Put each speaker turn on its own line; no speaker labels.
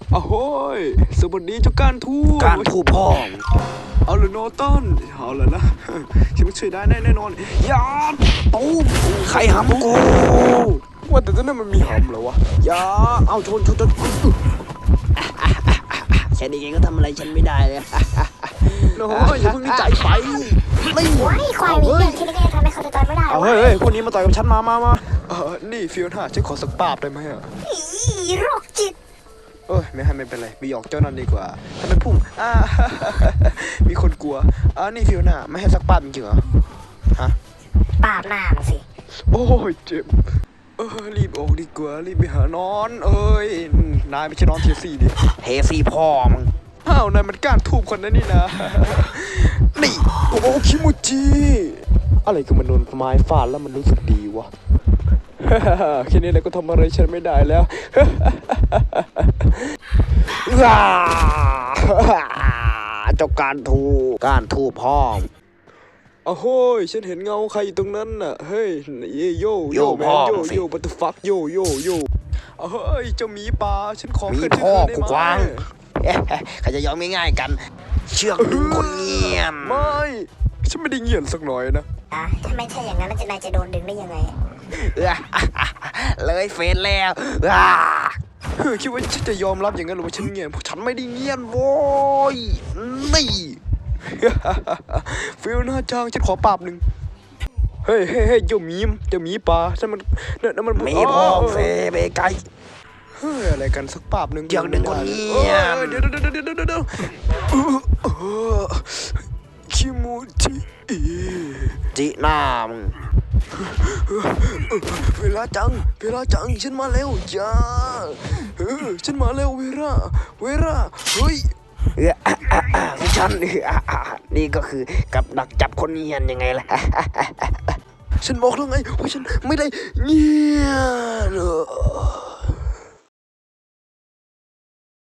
อ้โหยสวัสดีเจ้าการทูต
การทูพ่อ
เอาเลยโนตันเอาเลยนะฉันไม่ช่วยได้แน่นอนยาตูม
ใครหำกู
ว่าแต่ตอนนั้นมันมีหำเหรอวะยาเอาชน
แค่นี้เองก็ทำอะไรฉันไม่ได้เลย
โอ้ยอย่าเพิ่งดีใจไป
ไม่ควายมีเรื่องที่นี่ทำให้เขาจะต่อยไม่ได้
เอาเฮ้ยคนนี้มาต่อยกับฉันมานี่ฟิวน่าฉันขอสักปาบได้ไหมอ่ะ
อีโรคจิต
ไม่เป็นไรไปหยอกเจ้านั่นดีกว่าทำไมพุ่งมีคนกลัวนี่ฟิวน่าไม่ให้สักปาบจริงๆเหรอฮะ
ปาบหน้ามึงสิ
โอ้ยเจ็บรีบออกดีกว่ารีบไปหานอนนายไม่ใช่นอนเทียสี่ดิ
เทสี่พ่อมึง
นายมันก้านทูบคนนั้นนี่นะนี่โอ้คิมูจิอะไรก็มันโดนไม้ฟาดแล้วมันรู้สึกดีวะแค่นี้นายก็ทำอะไรฉันไม่ได้แล้ว
เจ้าการทูพ่อ
โอ้ยฉันเห็นเงาใครอยู่ตรงนั้นน่ะเฮ้ยโยแมนโยบัตเตอร์ฟักโยเฮ้ยเจ้าหมีป่าฉันขอ
มีพ่อกูกวางใครจะยอมง่ายๆกันเชือกดึงคนเงียบ
ไม่ฉันไม่ได้เงียบสักหน่อยนะ
ทำไมถ้าอย่างนั้นนายจะโดนดึงได้ยังไง
เลยเฟซแล้ว
คิดว่าฉันจะยอมรับอย่างนั้นหรือว่าฉันเงียบฉันไม่ได้เงียบโว้ยนี่ฟิลน่าจังฉันขอปราบหนึ่งเฮ้ยเจ้าหมีป่าฉันมัน
มีพ่อเฟเบไก
อะไรกันสักปราบหนึ่ง
อย่างหนึ่งคนเงียบ
เดี๋ยวคิมู
จิน้ามึง
เวลาจังฉันมาแล้วจ้าฉันมาแล้วเวลาเฮ้ย
ฉันนี่ก็คือกับดักจับคนเงียบยังไงล่ะ
ฉันบอกแล้วไงว่าฉันไม่ได้เงียบ